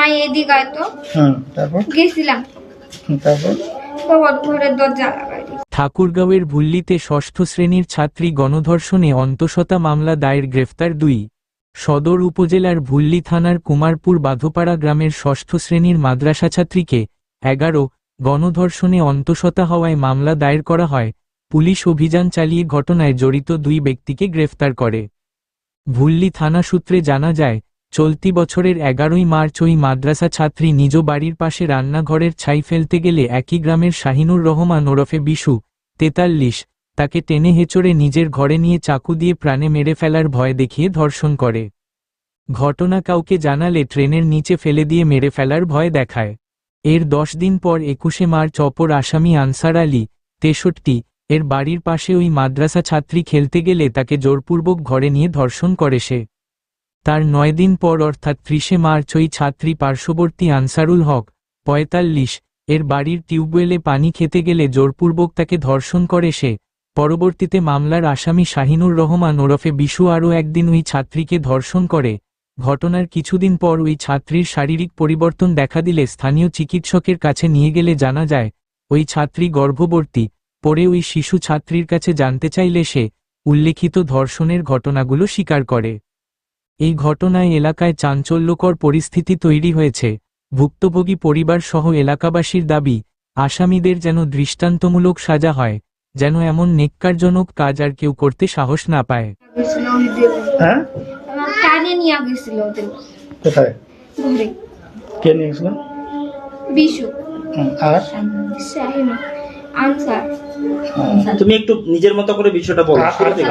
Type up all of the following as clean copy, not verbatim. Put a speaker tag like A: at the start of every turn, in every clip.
A: এদিকে আইতো।
B: তারপর
A: গেছিলাম,
B: তারপর
A: তখন ঘরের দরজা লাগাই দিয়েছে।
C: ঠাকুরগাঁওয়ের ভুল্লিতে ষষ্ঠ শ্রেণীর ছাত্রী গণধর্ষণে অন্তঃসত্ত্বা মামলা দায়ের, গ্রেফতার 2। সদর উপজেলার ভুল্লি থানার কুমারপুর বাঁধপাড়া গ্রামের ষষ্ঠ শ্রেণীর মাদ্রাসা ছাত্রীকে 11 গণধর্ষণে অন্তঃসত্ত্বা হওয়ায় মামলা দায়ের করা হয়। পুলিশ অভিযান চালিয়ে ঘটনায় জড়িত 2 ব্যক্তিকে গ্রেফতার করে। ভুল্লি থানা সূত্রে জানা যায়, চলতি বছরের 11ই মার্চ ওই মাদ্রাসা ছাত্রী নিজ বাড়ির পাশে রান্নাঘরের ছাই ফেলতে গেলে একই গ্রামের শাহিনুর রহমান ওরফে বিশু, 43, তাকে টেনে হেঁচড়ে নিজের ঘরে নিয়ে চাকু দিয়ে প্রাণে মেরে ফেলার ভয় দেখিয়ে ধর্ষণ করে। ঘটনা কাউকে জানালে ট্রেনের নিচে ফেলে দিয়ে মেরে ফেলার ভয় দেখায়। এর 10 দিন পর 21শে মার্চ অপর আসামি আনসার আলী, 63, এর বাড়ির পাশে ওই মাদ্রাসা ছাত্রী খেলতে গেলে তাকে জোরপূর্বক ঘরে নিয়ে ধর্ষণ করে সে। তার 9 দিন পর অর্থাৎ 30শে মার্চ ওই ছাত্রী পার্শ্ববর্তী আনসারুল হক, 45, এর বাড়ির টিউবওয়েলে পানি খেতে গেলে জোরপূর্বক তাকে ধর্ষণ করে সে। পরবর্তীতে মামলার আসামি শাহিনুর রহমান ওরফে বিশু আরও একদিন ওই ছাত্রীকে ধর্ষণ করে। ঘটনার কিছুদিন পর ওই ছাত্রীর শারীরিক পরিবর্তন দেখা দিলে স্থানীয় চিকিৎসকের কাছে নিয়ে গেলে জানা যায় ওই ছাত্রী গর্ভবতী। পরে ওই শিশু ছাত্রীর কাছে জানতে চাইলে সে উল্লেখিত ধর্ষণের ঘটনাগুলো স্বীকার করে। এই ঘটনায় এলাকায় চাঞ্চল্যকর পরিস্থিতি তৈরি হয়েছে। ভুক্তভোগী পরিবার সহ এলাকাবাসীর দাবি, আসামিদের যেন দৃষ্টান্তমূলক সাজা হয়, যেন এমন নেক্কারজনক কাজ আর কেউ করতে সাহস না পায়।
B: হ্যাঁ,
A: আমার টানে নিয়ে গেছিল ওদের
B: কোথায়
A: ঘরে।
B: কে নিয়ে গেছিল?
A: বিশু,
B: আর
A: শাহিন, আনসার।
D: তুমি একটু নিজের মতো করে বিষয়টা বলো।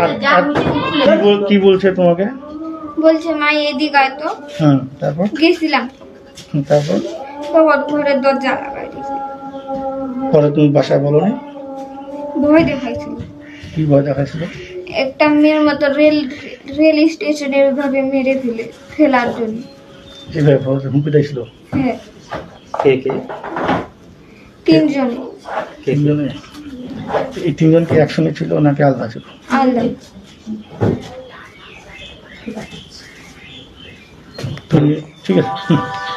B: কি বলছে তোমাকে?
A: বলছে এদিকে আইতো।
B: তারপর
A: গেছিলাম,
B: তারপর
A: তখন ঘরের দরজা লাগাই দিয়েছে।
B: পরে তুমি বাসায় বলো নি?
A: ভয় দেখাইছিল।
B: কি ভয় দেখাইছিল?
A: একটা মেয়ের মতো রেল স্টেশনে ওইভাবে মেরে ফেলার জন্য।
B: এভাবে হুমকি দিয়েছিল?
A: হ্যাঁ,
D: কে কে?
A: 3 জনে।
B: তিনজনে? এই 3 জন কি একসঙ্গে ছিল নাকি আলাদা ছিল?
A: আলাদা।
B: তুমি ঠিক আছে।